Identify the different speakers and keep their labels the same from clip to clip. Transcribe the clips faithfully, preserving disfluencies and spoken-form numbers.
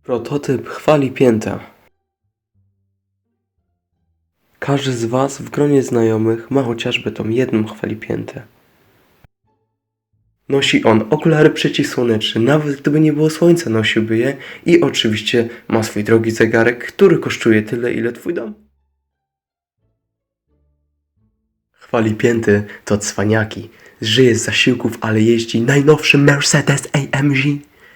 Speaker 1: Prototyp chwali pięta. Każdy z Was w gronie znajomych ma chociażby tą jedną chwali piętę. Nosi on okulary przeciwsłoneczne, nawet gdyby nie było słońca nosiłby je i oczywiście ma swój drogi zegarek, który kosztuje tyle ile Twój dom. Chwali pięty to cwaniaki. Żyje z zasiłków, ale jeździ najnowszym Mercedes A M G.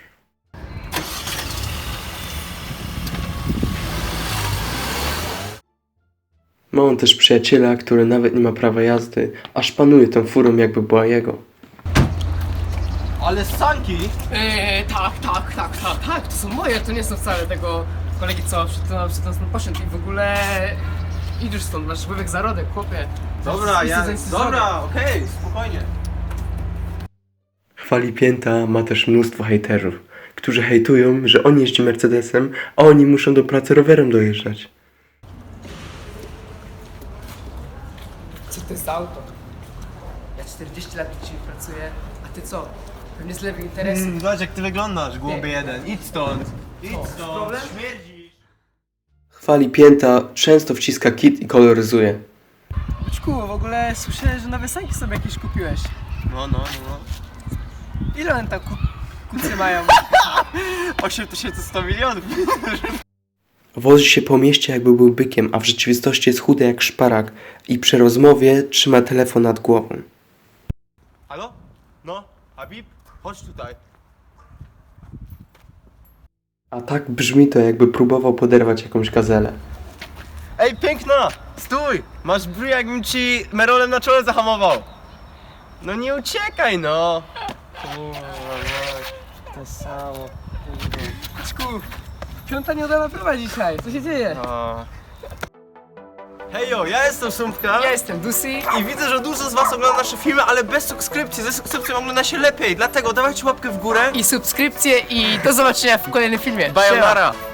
Speaker 1: Ma on też przyjaciela, który nawet nie ma prawa jazdy, a szpanuje tą furą jakby była jego.
Speaker 2: Ale sanki!
Speaker 3: Eee, tak, tak, tak, tak, tak, to są moje, to nie są wcale tego kolegi, co przed, no, przed nas poszedł i w ogóle... Idziesz stąd, masz łyżek zarodek, chłopie.
Speaker 2: Dobra, ja...
Speaker 3: Zaś- zaś-
Speaker 2: Dobra, okej, spokojnie.
Speaker 1: Chwali pięta ma też mnóstwo hejterów, którzy hejtują, że on jeździ Mercedesem, a oni muszą do pracy rowerem dojeżdżać.
Speaker 3: Co to jest za auto? Ja czterdzieści lat dzisiaj pracuję, a ty co? Pewnie z lewych interesów.
Speaker 2: Mm, zobacz jak ty wyglądasz, głupi
Speaker 3: Nie.
Speaker 2: jeden. Idź stąd. Idź
Speaker 3: Co,
Speaker 2: stąd,
Speaker 3: problem?
Speaker 2: śmierdzisz.
Speaker 1: Chwali pięta często wciska kit i koloryzuje.
Speaker 4: Czku, w ogóle słyszę, że nowe sanki sobie jakieś kupiłeś.
Speaker 2: No, no, no.
Speaker 4: Ile one tam ku kucy mają?
Speaker 2: osiem tysięcy sto milionów.
Speaker 1: Wozi się po mieście jakby był bykiem, a w rzeczywistości jest chudy jak szparak i przy rozmowie trzyma telefon nad głową.
Speaker 2: Halo? No, Habib? Chodź tutaj.
Speaker 1: A tak brzmi to, jakby próbował poderwać jakąś gazelę.
Speaker 2: Ej, piękna! Stój! Masz bry, jakbym ci merolem na czole zahamował. No nie uciekaj, no! Kurwa, mać, to samo.
Speaker 4: Czku, piąta nie udana próba dzisiaj, co się dzieje?
Speaker 2: A. Hejo, ja jestem Sumpka.
Speaker 3: Ja jestem Dusi.
Speaker 2: I widzę, że dużo z was ogląda nasze filmy, ale bez subskrypcji. Ze subskrypcją ogląda się lepiej, dlatego dawajcie łapkę w górę.
Speaker 3: I subskrypcje i do zobaczenia w kolejnym filmie.
Speaker 2: Sayonara.